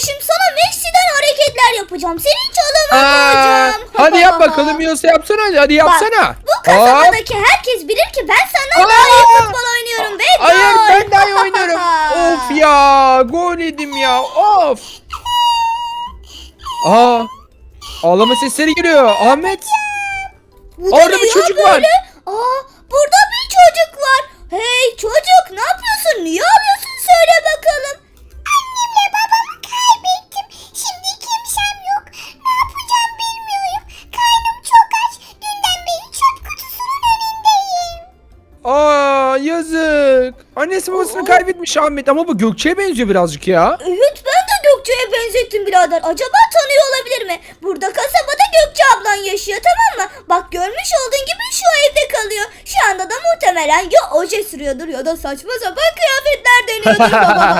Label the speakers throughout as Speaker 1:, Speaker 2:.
Speaker 1: kardeşim sana Messi'den hareketler yapacağım. Senin çalımını bulacağım.
Speaker 2: Hadi yap bakalım, yiyorsa yapsana, hadi yapsana.
Speaker 1: Bu kasabadaki herkes bilir ki ben senden daha iyi futbol oynuyorum ve gol.
Speaker 2: Hayır, ben daha iyi oynuyorum. Of ya, gol yedim ya, of. Ağlama sesleri geliyor Ahmet. Orada bir çocuk var.
Speaker 1: Burada bir çocuk var. Hey çocuk, ne yapıyorsun? Niye ağlıyorsun? Söyle bakalım.
Speaker 3: Annemle babamı kaybettim. Şimdi kimsem yok. Ne yapacağım bilmiyorum. Karnım çok aç. Dünden beri çöp kutusunun önündeyim.
Speaker 2: Yazık. Annesi babasını kaybetmiş Ahmet, ama bu Gökçe'ye benziyor birazcık ya.
Speaker 1: Evet, ben de Gökçe'ye benzettim birader. Acaba tanıyor olabilir mi? Burada kasabada Gökçe ablan yaşıyor, tamam mı? Bak, görmüş olduğun gibi şu evde kalıyor. Şu anda da muhtemelen ya oje sürüyordur ya da saçma sapan kıyafetler deniyordur.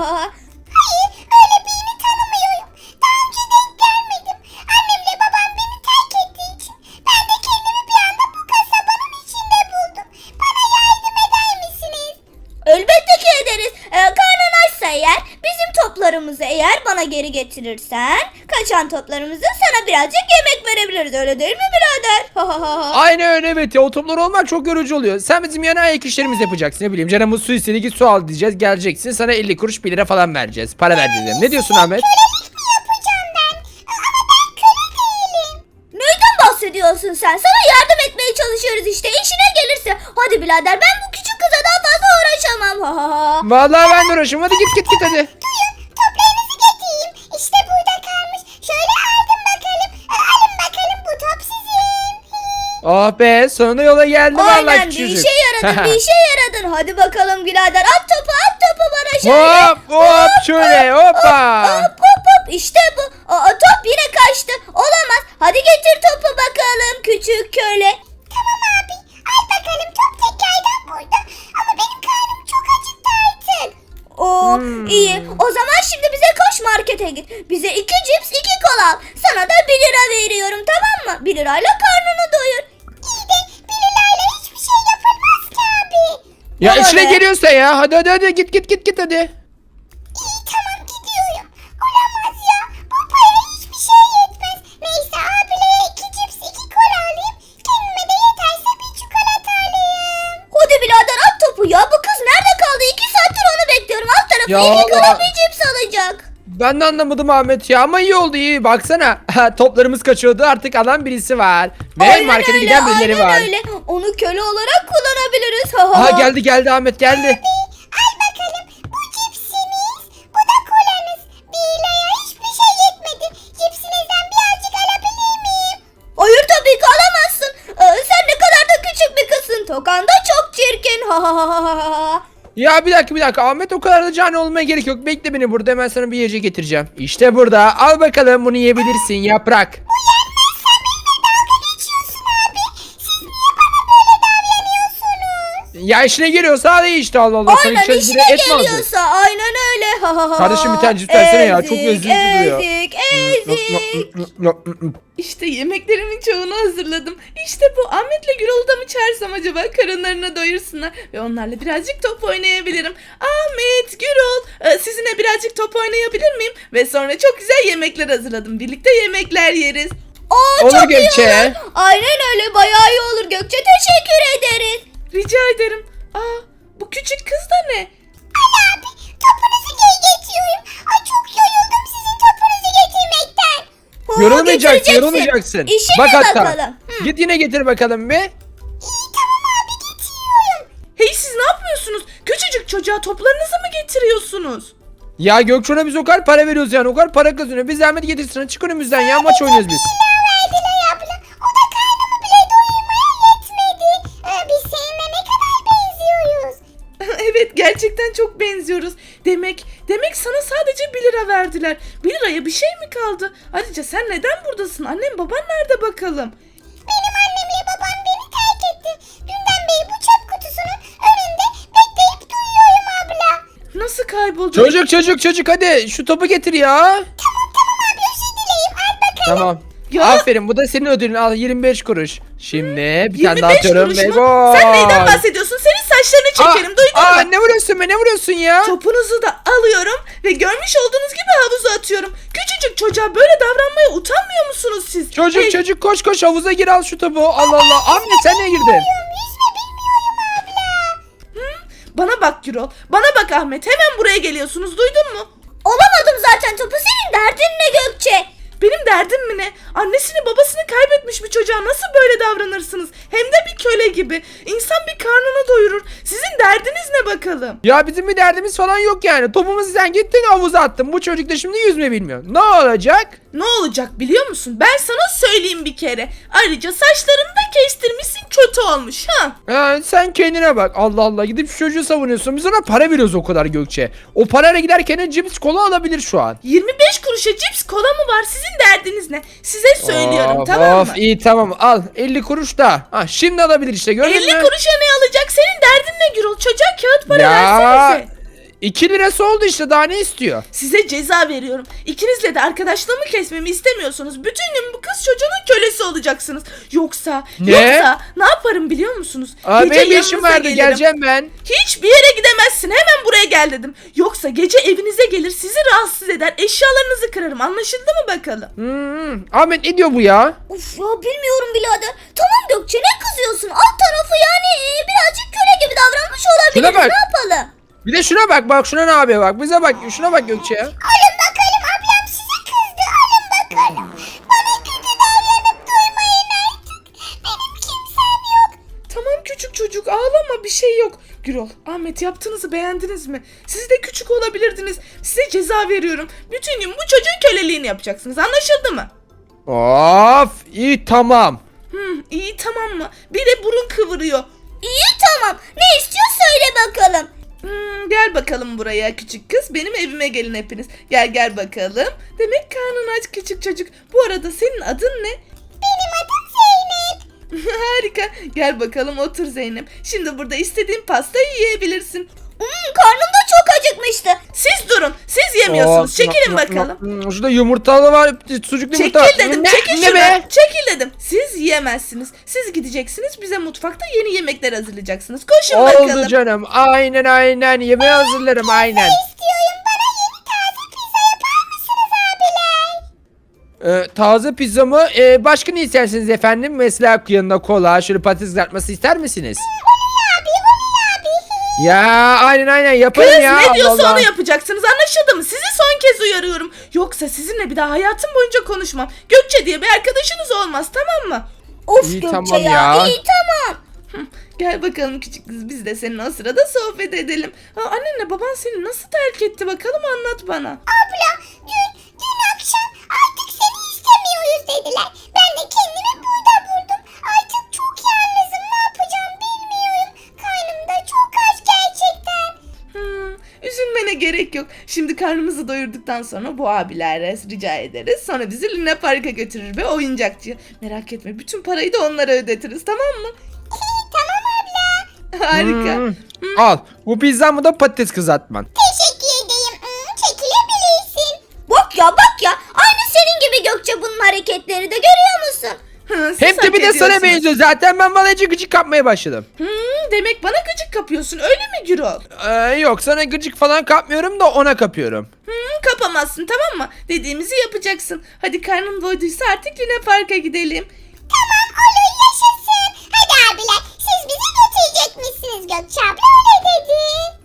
Speaker 3: Hayır, öyle birini tanımıyorum. Daha önce denk gelmedim. Annemle babam beni terk ettiği için ben de kendimi bir anda bu kasabanın içinde buldum. Bana yardım eder misiniz?
Speaker 1: Elbette ki ederiz. Karnın açsa eğer, bizim toplarımızı eğer bana geri getirirsen, kaçan toplarımızı sana birazcık yemek verebiliriz, öyle değil mi birader?
Speaker 2: Aynen öyle, evet ya, o toplar olmak çok yorucu oluyor. Sen bizim yana ayak işlerimizi yapacaksın, ne bileyim, canımız su istedi, git su al diyeceğiz, geleceksin, sana 50 kuruş 1 lira falan vereceğiz, para vereceğiz yani. Ne diyorsun Ahmet?
Speaker 3: Kölelik mi yapacağım ben? Ama ben köle değilim.
Speaker 1: Neyden bahsediyorsun sen? Sana yardım etmeye çalışıyoruz işte, işine gelirse. Hadi birader, ben bu küçük kıza daha fazla uğraşamam.
Speaker 2: Vallahi ben de uğraşım, hadi git hadi.
Speaker 3: Duyun, toplarınızı getireyim. İşte burada kalmış. Şöyle aldım bakalım. Alın bakalım, bu top sizin.
Speaker 2: Oh be, sonunda yola geldi vallahi
Speaker 1: Aynen, bir
Speaker 2: küçücük.
Speaker 1: işe yaradın, bir işe yaradın. Hadi bakalım birader, at topu bana şöyle.
Speaker 2: Hop şöyle, hoppa.
Speaker 1: Hop, işte bu. Top yine kaçtı. Olamaz. Hadi getir topu bakalım küçük köle.
Speaker 3: Tamam abi. Al bakalım, top tekrardan burada. Ama benim karnım çok acıktı artık.
Speaker 1: İyi. O zaman şimdi bize koş, markete git. Bize 2 cips 2 kola al. Sana da 1 lira veriyorum, tamam mı? 1 lirayla karnını doyur.
Speaker 3: İyi de 1 lirayla hiçbir şey yapılmaz ki abi.
Speaker 2: Ya
Speaker 1: Bana
Speaker 2: içine
Speaker 1: ne?
Speaker 2: geliyorsa ya, hadi git hadi.
Speaker 3: İyi, tamam, gidiyorum. Olamaz ya. Bu para hiçbir şey yetmez. Neyse, abilere 2 cips 2 kola alayım. Kendime de yeterse bir çikolata alayım.
Speaker 1: Hadi birader, at topu ya. Bu kız nerede kaldı? 2 saattir onu bekliyorum. Alt tarafı
Speaker 2: Ya
Speaker 1: 2 kola
Speaker 2: Allah.
Speaker 1: bir cips alacak.
Speaker 2: Ben de anlamadım Ahmet ya, ama iyi oldu, iyi. Baksana, toplarımız kaçıyordu, artık alan birisi var. Ve
Speaker 1: Aynen
Speaker 2: markete
Speaker 1: öyle,
Speaker 2: giden birileri var.
Speaker 1: aynen öyle. Onu köle olarak kullanabiliriz.
Speaker 2: Geldi Ahmet, geldi.
Speaker 3: Al bakalım, bu cipsiniz. Bu da kolanız. 1 liraya hiçbir şey yetmedi. Cipsinizden birazcık alabilir miyim?
Speaker 1: Hayır, tabii ki alamazsın. Sen ne kadar da küçük bir kızsın. Tokan da çok çirkin.
Speaker 2: Ya bir dakika Ahmet, o kadar da cani olmaya gerek yok. Bekle beni burada, hemen sana bir yiyecek getireceğim. İşte burada, al bakalım, bunu yiyebilirsin, yaprak.
Speaker 3: Geçiyorsun abi. Siz niye bana böyle davranıyorsunuz?
Speaker 2: Ya işine geliyorsa al, iyi işte, Allah Allah. Sana
Speaker 1: Aynen,
Speaker 2: içeri
Speaker 1: işine
Speaker 2: et mi aldın?
Speaker 1: geliyorsa aynen öyle.
Speaker 2: Kardeşim, bir tane cips versene ya, çok lezzetli duruyor.
Speaker 1: Ezik.
Speaker 4: İşte yemeklerimin çoğunu hazırladım. İşte bu, Ahmet'le Gürol'u da mı çağırsam acaba, karınlarını doyursunlar ve onlarla birazcık top oynayabilirim. Ahmet, Gürol, sizinle birazcık top oynayabilir miyim? Ve sonra çok güzel yemekler hazırladım. Birlikte yemekler yeriz.
Speaker 2: Olur
Speaker 1: Çok iyi
Speaker 2: Gökçe.
Speaker 1: olur. Aynen öyle, bayağı iyi olur Gökçe, teşekkür ederiz.
Speaker 4: Rica ederim. Bu küçük kız da ne?
Speaker 3: Ali abi, topunuzu geri getiriyorum. Ay, çok yoruldum sizin topunuzu getirmekten.
Speaker 2: Yorulmayacaksın,
Speaker 1: Getireceksin. İşine
Speaker 2: Bak hatta.
Speaker 1: bakalım.
Speaker 2: Git yine getir bakalım bir.
Speaker 3: İyi, tamam abi, getiriyorum.
Speaker 4: Hey, siz ne yapıyorsunuz? Küçücük çocuğa toplarınızı mı getiriyorsunuz?
Speaker 2: Ya Gökçen'e biz o kadar para veriyoruz yani, o kadar para kazanıyor. Biz zahmet getirsin, çık önümüzden ya, maç oynuyoruz biz.
Speaker 3: Verdiler abla. O da karnımı bile doyurmaya yetmedi. Biz seninle ne kadar benziyoruz.
Speaker 4: Evet, gerçekten çok benziyoruz. Demek sana sadece 1 lira verdiler. 1 liraya bir şey mi kaldı? Ayrıca sen neden buradasın? Annem baban nerede bakalım?
Speaker 3: Benim annemle babam beni terk etti. Dünden beri bu çöp kutusunun önünde bekleyip duyuyorum abla.
Speaker 4: Nasıl kayboldu?
Speaker 2: Çocuk hadi şu topu getir ya.
Speaker 3: Tamam abi, özür dileyim. Al bakalım.
Speaker 2: Tamam.
Speaker 4: Ya.
Speaker 2: Aferin, bu da senin ödülün, al 25 kuruş. Şimdi bir tane daha
Speaker 4: 25
Speaker 2: atıyorum
Speaker 4: kuruş
Speaker 2: ve
Speaker 4: mu?
Speaker 2: gol.
Speaker 4: Sen neyden bahsediyorsun? Senin saçlarını çekerim, duydun mu?
Speaker 2: Ne vuruyorsun be, ne vuruyorsun ya?
Speaker 4: Topunuzu da alıyorum ve görmüş olduğunuz gibi havuza atıyorum. küçücük çocuğa böyle davranmaya utanmıyor musunuz siz?
Speaker 2: Çocuk
Speaker 4: Hey,
Speaker 2: çocuk koş koş havuza gir al şu topu. Allah Allah. Ahmet sen niye girdin?
Speaker 3: Yüzme bilmiyorum abla.
Speaker 4: Bana bak Gürol. Bana bak Ahmet. Hemen buraya geliyorsunuz. Duydun mu?
Speaker 1: Olamadım zaten topu, senin derdin ne Gökçe?
Speaker 4: Benim derdim mi ne? Annesini babasını kaybetmiş bir çocuğa nasıl böyle davranırsınız? Hem de bir köle gibi. İnsan bir karnını doyurur. Sizin derdiniz ne bakalım?
Speaker 2: Ya bizim bir derdimiz falan yok yani. Topumuzu sen gittin havuza attın. Bu çocuk da şimdi yüzme bilmiyor. Ne olacak?
Speaker 4: Ne olacak biliyor musun? Ben sana söyleyeyim bir kere. Ayrıca saçlarını da kestirmişsin, kötü olmuş ha.
Speaker 2: Sen kendine bak. Allah Allah gidip şu çocuğu savunuyorsun. Biz ona para veriyoruz o kadar Gökçe. O parayla giderken de cips kola alabilir şu an.
Speaker 4: 25 kuruşa cips kola mı var? Sizin derdiniz ne? Size söylüyorum,
Speaker 2: Of,
Speaker 4: tamam
Speaker 2: of,
Speaker 4: mı?
Speaker 2: iyi tamam al 50 kuruş da. Ha, şimdi alabilir işte gördün
Speaker 4: 50
Speaker 2: mü?
Speaker 4: kuruşa ne alacak? Senin derdin ne Gürol? Çocuğa kağıt para
Speaker 2: Ya
Speaker 4: versenize.
Speaker 2: 2 lirası oldu işte daha ne istiyor?
Speaker 4: Size ceza veriyorum. İkinizle de arkadaşlığımı kesmemi istemiyorsunuz. Bütün gün bu kız çocuğunun kölesi olacaksınız. Yoksa
Speaker 2: Ne?
Speaker 4: ne yaparım biliyor musunuz?
Speaker 2: Abi benim bir
Speaker 4: yanınıza
Speaker 2: işim vardı
Speaker 4: gelirim.
Speaker 2: geleceğim ben.
Speaker 4: Hiçbir yere gidemezsin. Hemen buraya gel dedim. Yoksa gece evinize gelir, sizi rahatsız eder, eşyalarınızı kırarım. Anlaşıldı mı bakalım?
Speaker 2: Ahmet ne diyor bu ya?
Speaker 1: Of ya, bilmiyorum birader. Tamam Gökçe, ne kızıyorsun? Alt tarafı yani birazcık köle gibi davranmış olabiliriz.
Speaker 2: Şuna bak.
Speaker 1: Ne yapalım?
Speaker 2: Bir de şuna bak bak şuna ne yapıyor bak bize bak şuna bak Gökçe ya.
Speaker 3: Alın bakalım, ablam size kızdı. Alın bakalım. Bana kötü davranıp duymayın artık. Benim kimsem yok.
Speaker 4: Tamam küçük çocuk, ağlama, bir şey yok. Gürol, Ahmet, yaptığınızı beğendiniz mi? Siz de küçük olabilirdiniz. Size ceza veriyorum. Bütün gün bu çocuğun köleliğini yapacaksınız. Anlaşıldı mı?
Speaker 2: Of iyi tamam.
Speaker 4: İyi tamam mı? Bir de burun kıvırıyor.
Speaker 1: İyi tamam. Ne istiyor söyle bakalım.
Speaker 4: Gel bakalım buraya küçük kız. Benim evime gelin hepiniz. Gel bakalım. Demek karnın aç küçük çocuk. Bu arada senin adın ne?
Speaker 3: Benim adım Zeynep.
Speaker 4: Harika. Gel bakalım otur Zeynep. Şimdi burada istediğin pastayı yiyebilirsin.
Speaker 1: Karnım da çok acıkmıştı.
Speaker 4: Siz durun. Siz yemiyorsunuz. Çekilin bakalım.
Speaker 2: Şurada yumurtalı var sucuklu yumurta var.
Speaker 4: Çekil dedim. Çekil
Speaker 2: ne
Speaker 4: şuradan.
Speaker 2: be?
Speaker 4: Çekil dedim. Siz yiyemezsiniz. Siz gideceksiniz. Bize mutfakta yeni yemekler hazırlayacaksınız. Koşun bakalım.
Speaker 2: Oldu canım aynen yemeği hazırlarım aynen.
Speaker 3: İstiyorum, bana yeni taze pizza yapar mısınız abiler?
Speaker 2: Taze pizza mı? Başka ne istersiniz efendim? Mesela yanında kola, şöyle patates kızartması ister misiniz?
Speaker 3: Abi, Oli abi.
Speaker 2: Ya aynen yaparım
Speaker 4: Kız
Speaker 2: ya.
Speaker 4: ne diyorsa
Speaker 2: Allah Allah.
Speaker 4: onu yapacaksınız, anlaşıldı mı? Sizi son kez uyarıyorum. Yoksa sizinle bir daha hayatım boyunca konuşmam. Gökçe diye bir arkadaşınız olmaz, tamam mı?
Speaker 1: Of
Speaker 2: İyi,
Speaker 1: Gökçe
Speaker 2: tamam
Speaker 1: ya.
Speaker 2: ya.
Speaker 1: İyi tamam.
Speaker 4: Gel bakalım küçük kız, biz de seninle o sırada sohbet edelim. Annenle baban seni nasıl terk etti bakalım, anlat bana.
Speaker 3: Abla, dün akşam artık seni istemiyoruz dediler. Ben de kendimi burada buldum. Artık çok yalnızım, ne yapacağım bilmiyorum. Karnım da çok aç gerçekten.
Speaker 4: Üzülmene gerek yok. Şimdi karnımızı doyurduktan sonra bu abilere rica ederiz. Sonra bizi Luna Park'a götürür ve oyuncakçıya. Merak etme, bütün parayı da onlara ödetiriz, tamam mı?
Speaker 3: Tamam abla.
Speaker 4: Harika.
Speaker 2: Al bu pizzamı da patates kızartman.
Speaker 3: Teşekkür edeyim. Çekilebilirsin.
Speaker 1: Bak ya. Aynı senin gibi Gökçe bunun hareketleri de, görüyor musun?
Speaker 4: Siz
Speaker 2: Hem de
Speaker 4: hak
Speaker 2: bir de sana
Speaker 4: ediyorsunuz.
Speaker 2: benziyor zaten ben vallahi gıcık kapmaya başladım.
Speaker 4: Demek bana gıcık kapıyorsun, öyle mi Gürol?
Speaker 2: Yok sana gıcık falan kapmıyorum da ona kapıyorum.
Speaker 4: Kapamazsın, tamam mı? Dediğimizi yapacaksın. Hadi karnın doyduysa artık Luna Park'a gidelim.
Speaker 3: Tamam, olur, yaşasın. Hadi abiler, siz bizi götürecekmişsiniz, Gökçe abla öyle dedi.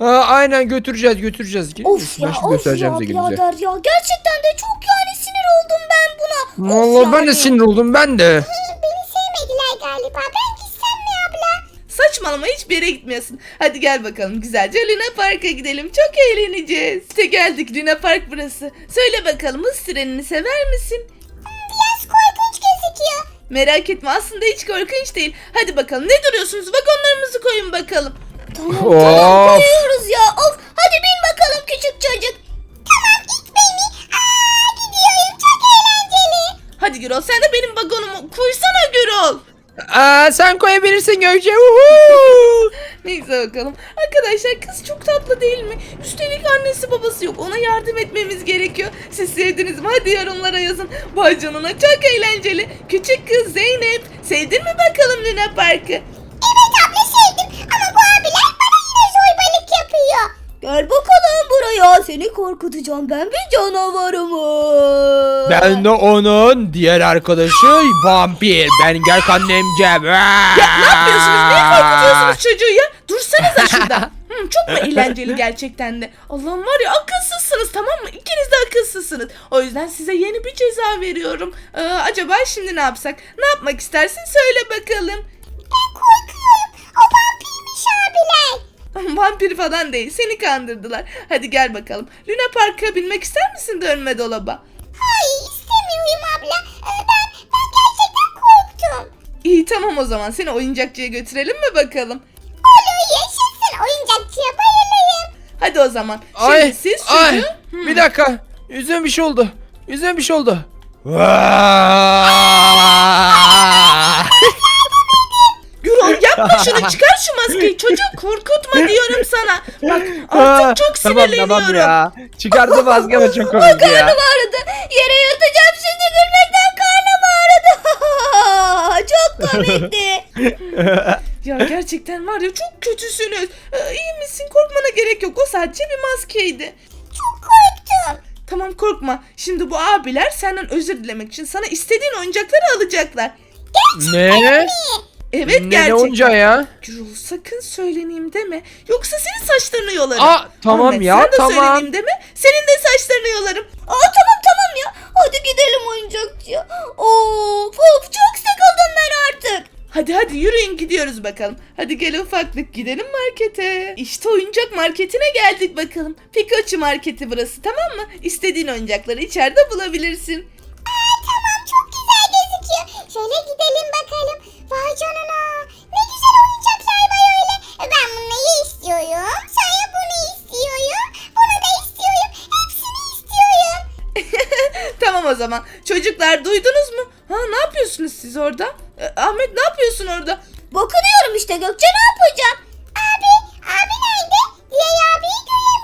Speaker 2: Aynen götüreceğiz.
Speaker 1: Of ya,
Speaker 2: Ben şimdi
Speaker 1: of
Speaker 2: göstereceğim
Speaker 1: ya
Speaker 2: size gününüzü.
Speaker 1: birader ya. Gerçekten de çok yani sinir oldum ben buna. Of
Speaker 2: Vallahi ben de
Speaker 1: yani.
Speaker 2: sinir oldum ben de.
Speaker 3: Beni sevmediler galiba. Ben gitsem mi abla?
Speaker 4: Saçmalama, hiçbir yere gitmiyorsun. Hadi gel bakalım güzelce Luna Park'a gidelim. Çok eğleneceğiz. İşte geldik, Luna Park burası. Söyle bakalım, hız trenini sever misin?
Speaker 3: Biraz korkunç gözüküyor.
Speaker 4: Merak etme, aslında hiç korkunç değil. Hadi bakalım, ne duruyorsunuz? Vagonlarımızı koyun bakalım.
Speaker 1: Tamam
Speaker 2: Of.
Speaker 1: koyuyoruz ya. Of, hadi bin bakalım küçük çocuk.
Speaker 3: Tamam, it beni. Gidiyorum, çok eğlenceli.
Speaker 4: Hadi Gürol, sen de benim vagonumu koysana Gürol.
Speaker 2: Sen koyabilirsin Gökçe. Uhu.
Speaker 4: Neyse bakalım. Arkadaşlar, kız çok tatlı değil mi? Üstelik annesi babası yok. Ona yardım etmemiz gerekiyor. Siz sevdiniz mi? Hadi yorumlara yazın. Vay canına, çok eğlenceli. Küçük kız Zeynep, sevdin mi bakalım Luna Park'ı?
Speaker 3: Evet abla, sevdim ama bu abiler bana yine zorbalık yapıyor.
Speaker 1: Gel bakalım buraya. Seni korkutacağım, ben bir canavarım.
Speaker 2: Ben de onun diğer arkadaşı vampir. Ben gel annemcem.
Speaker 4: Ya ne yapıyorsunuz? Niye korkutuyorsunuz çocuğu ya? Dursanıza şurada. Çok mu eğlenceli gerçekten de? Allah'ım var ya, akılsızsınız, tamam mı? İkiniz de akılsızsınız. O yüzden size yeni bir ceza veriyorum. Acaba şimdi ne yapsak? Ne yapmak istersin? Söyle bakalım.
Speaker 3: Ben korkuyorum. O vampirmiş abiler.
Speaker 4: Vampir falan değil. Seni kandırdılar. Hadi gel bakalım. Luna Park'a binmek ister misin dönme dolaba?
Speaker 3: Hayır istemiyorum abla. Ben gerçekten korktum.
Speaker 4: İyi tamam, o zaman seni oyuncakçıya götürelim mi bakalım?
Speaker 3: Olur yaşasın, oyuncakçıya bayılırım.
Speaker 4: Hadi o zaman. Şimdi
Speaker 2: Ay,
Speaker 4: siz
Speaker 2: ay,
Speaker 4: çocuğu...
Speaker 2: bir dakika. Yüzüme bir şey oldu. Yüzüme bir şey oldu.
Speaker 4: Gürol yapma şunu, çıkar şu maskeyi, çocuğu korkutma diyorum sana. Bak artık çok sinirleniyorum.
Speaker 2: Tamam ya. Çıkardı maske ama çok komik ya.
Speaker 1: Karnım ağrıdı. Yere yatacağım şimdi, gülmekten karnım ağrıdı. Çok komikti.
Speaker 4: Ya gerçekten var ya, çok kötüsünüz. İyi misin? Korkmana gerek yok, o sadece bir maskeydi.
Speaker 3: Çok korktum.
Speaker 4: Tamam korkma. Şimdi bu abiler senden özür dilemek için sana istediğin oyuncakları alacaklar.
Speaker 2: Ne?
Speaker 4: Evet
Speaker 2: Ne
Speaker 4: gerçekten.
Speaker 2: oyuncağı ya?
Speaker 4: Gürol sakın söyleneyim deme. Yoksa senin saçlarını yolarım.
Speaker 2: Tamam
Speaker 4: Ahmet,
Speaker 2: ya,
Speaker 4: sen de
Speaker 2: tamam.
Speaker 4: söyleneyim deme. Senin de saçlarını yolarım.
Speaker 1: Tamam ya. Hadi gidelim oyuncakçıya. Of çok sıkıldım ben artık.
Speaker 4: Hadi yürüyün gidiyoruz bakalım. Hadi gel ufaklık, gidelim markete. İşte oyuncak marketine geldik bakalım. Pikachu marketi burası, tamam mı? İstediğin oyuncakları içeride bulabilirsin.
Speaker 3: Tamam, çok güzel gözüküyor. Şöyle gidelim bakalım. Vay canına. Ne güzel oyuncaklar var öyle. Ben bunları istiyorum. Sonra bunu istiyorum. Bunu da istiyorum. Hepsini istiyorum.
Speaker 4: Tamam o zaman. Çocuklar duydunuz mu? Ne yapıyorsunuz siz orada? Ahmet ne yapıyorsun orada?
Speaker 1: Bakınıyorum işte Gökçe, ne yapacağım?
Speaker 3: Abi nerede? Diğer abiyi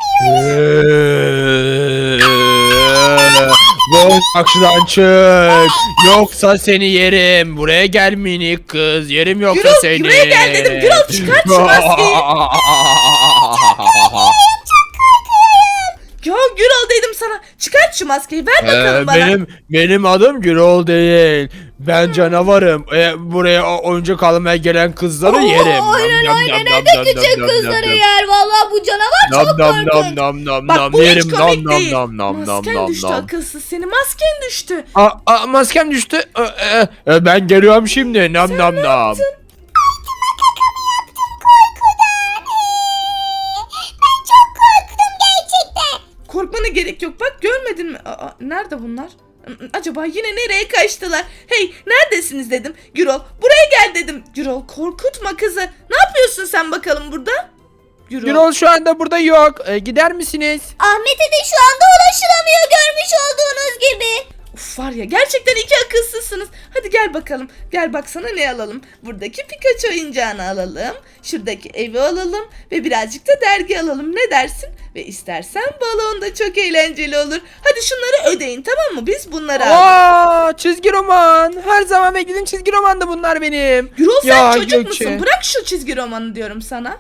Speaker 3: göremiyorum.
Speaker 2: Boş akşıdan çık. Yoksa seni yerim. Buraya gel minik kız. Yerim yoksa
Speaker 4: Gürol,
Speaker 2: seni.
Speaker 4: buraya gel dedim. Gürol, çıkart şu maskeyi. Ya Gürol dedim sana. Çıkart şu maskeyi, ver bakalım bana.
Speaker 2: Benim adım Gürol değil. Ben canavarım. Buraya oyuncak almaya gelen kızları yerim.
Speaker 1: Aynen evde küçük kızları yer. Vallahi bu canavar çok korkunç.
Speaker 4: Bak bu hiç komik değil.
Speaker 2: nam
Speaker 4: Masken düştü akılsız seni. Masken düştü.
Speaker 2: Maskem düştü. Ben geliyorum şimdi. Nam nam nam.
Speaker 3: Ben çok korktum gerçekten.
Speaker 4: Korkmana gerek yok. Bak görmedin mi? Nerede bunlar? Acaba yine nereye kaçtılar? Hey neredesiniz dedim. Gürol buraya gel dedim. Gürol korkutma kızı. Ne yapıyorsun sen bakalım burada?
Speaker 2: Gürol şu anda burada yok. Gider misiniz?
Speaker 1: Ahmet'e de şu anda ulaşılamıyor, görmüş olduğunuz gibi.
Speaker 4: Uf var ya, gerçekten iki akılsızsınız. Hadi gel bakalım. Gel baksana ne alalım. Buradaki Pikachu oyuncağını alalım. Şuradaki evi alalım. Ve birazcık da dergi alalım. Ne dersin? Ve istersen balon da çok eğlenceli olur. Hadi şunları ödeyin, tamam mı? Biz bunları aldık.
Speaker 2: Çizgi roman. Her zaman beklediğim çizgi romandı bunlar benim.
Speaker 4: Gürol sen
Speaker 2: Ya,
Speaker 4: çocuk
Speaker 2: Gökçe.
Speaker 4: musun? Bırak şu çizgi romanı diyorum sana.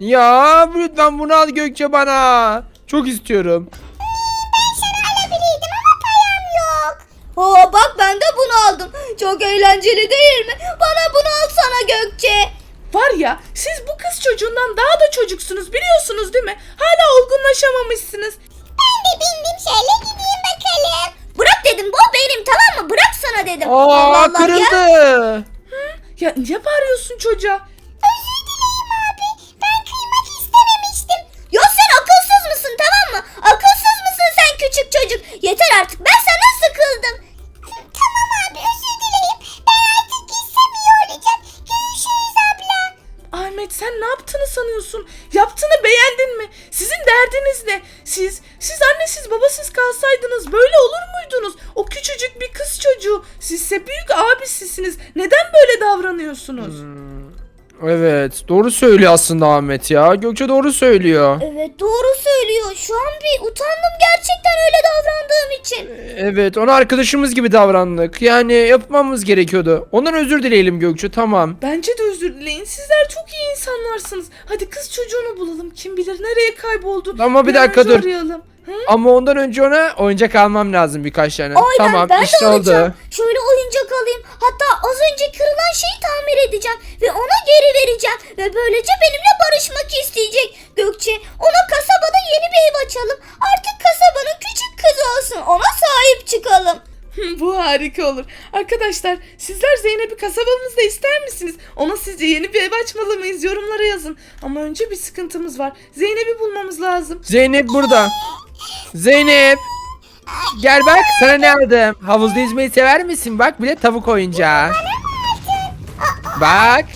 Speaker 2: Ya lütfen bunu al Gökçe bana. Çok istiyorum.
Speaker 3: Alabilirdim ama param yok.
Speaker 1: Bak ben de bunu aldım. Çok eğlenceli değil mi? Bana bunu alsana Gökçe.
Speaker 4: Var ya, siz bu kız çocuğundan daha da çocuksunuz, biliyorsunuz değil mi? Hala olgunlaşamamışsınız.
Speaker 3: Ben de bindim, şöyle gideyim bakalım.
Speaker 1: Bırak dedim, bu benim, tamam mı? Bırak sana dedim. Allah Allah ya.
Speaker 2: Kırıldı.
Speaker 4: Ya niye bağırıyorsun çocuğa?
Speaker 3: Özür dileyim abi. Ben kıymak istememiştim.
Speaker 1: Ya sen akılsız mısın, tamam mı? Akılsız mısın sen küçük çocuk? Yeter artık, ben sana sıkıldım.
Speaker 3: Tamam abi, özür dileyim. Ben artık gitsem iyi olacak. Görüşürüz abla.
Speaker 4: Ahmet sen ne yaptığını sanıyorsun? Yaptığını beğendin mi? Sizin derdiniz ne? Siz annesiz babasız kalsaydınız böyle olur muydunuz? O küçücük bir kız çocuğu. Sizse büyük abisisiniz. Neden böyle davranıyorsunuz?
Speaker 2: Evet doğru söylüyor aslında Ahmet ya. Gökçe doğru söylüyor.
Speaker 1: Evet doğru söylüyor. Şu an bir utandım gerçekten öyle davrandığım için.
Speaker 2: Evet ona arkadaşımız gibi davrandık. Yani yapmamız gerekiyordu. Ondan özür dileyelim Gökçe, tamam.
Speaker 4: Bence de özür dileyin. Sizler çok iyi insanlarsınız. Hadi kız çocuğunu bulalım. Kim bilir nereye kayboldu.
Speaker 2: Ama bir
Speaker 4: an
Speaker 2: dakika
Speaker 4: önce
Speaker 2: dur.
Speaker 4: arayalım.
Speaker 2: Ama ondan önce ona oyuncak almam lazım birkaç tane.
Speaker 1: Aynen,
Speaker 2: Tamam
Speaker 1: ben
Speaker 2: işte
Speaker 1: de alacağım.
Speaker 2: oldu.
Speaker 1: Şöyle oyuncak alayım. Hatta az önce kırılan şeyi tamir edeceğim. Ve ona geri vereceğim. Ve böylece benimle barışmak isteyecek. Gökçe, ona kasabada yeni bir ev açalım. Artık kasabanın küçük kızı olsun. Ona sahip çıkalım.
Speaker 4: Bu harika olur. Arkadaşlar sizler Zeynep'i kasabamızda ister misiniz? Ona sizce yeni bir ev açmalı mıyız? Yorumlara yazın. Ama önce bir sıkıntımız var. Zeynep'i bulmamız lazım.
Speaker 2: Zeynep burada. Zeynep. Gel bak sana ne aldım. Havuzda yüzmeyi sever misin? Bak bir de tavuk oyuncağı. Bak.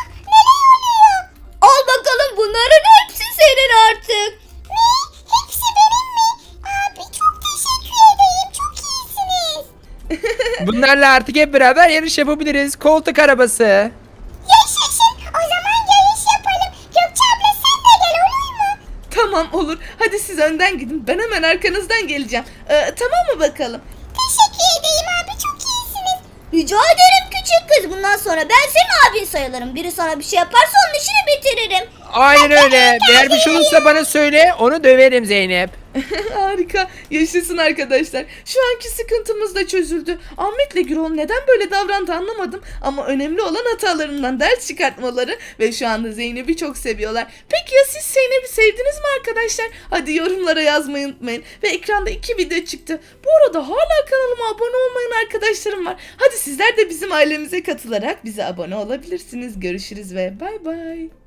Speaker 1: Al bakalım, bunların hepsi senin artık.
Speaker 3: Hepsi benim mi? Abi çok teşekkür ederim. Çok iyisiniz.
Speaker 2: Bunlarla artık hep beraber yarış yapabiliriz. Koltuk arabası.
Speaker 3: Yaşasın. O zaman yarış yapalım. Gökçe abla sen de gel olur mu?
Speaker 4: Tamam olur. Hadi siz önden gidin. Ben hemen arkanızdan geleceğim. Tamam mı bakalım?
Speaker 3: Teşekkür ederim abi. Çok iyisiniz.
Speaker 1: Rica ederim küçük kız. Bundan sonra ben senin abin sayılırım. Biri sana bir şey yaparsa onun işini bitiririm.
Speaker 2: Aynen öyle. Eğer bir şey olursa bana söyle. Onu döverim Zeynep.
Speaker 4: Harika. Yaşasın arkadaşlar. Şu anki sıkıntımız da çözüldü. Ahmet'le Gürol neden böyle davrandı anlamadım. Ama önemli olan hatalarından ders çıkartmaları ve şu anda Zeynep'i çok seviyorlar. Peki ya siz Zeynep'i sevdiniz mi arkadaşlar? Hadi yorumlara yazmayı unutmayın. Ve ekranda 2 video çıktı. Bu arada hala kanalıma abone olmayan arkadaşlarım var. Hadi sizler de bizim ailemize katılarak bize abone olabilirsiniz. Görüşürüz ve bay bay.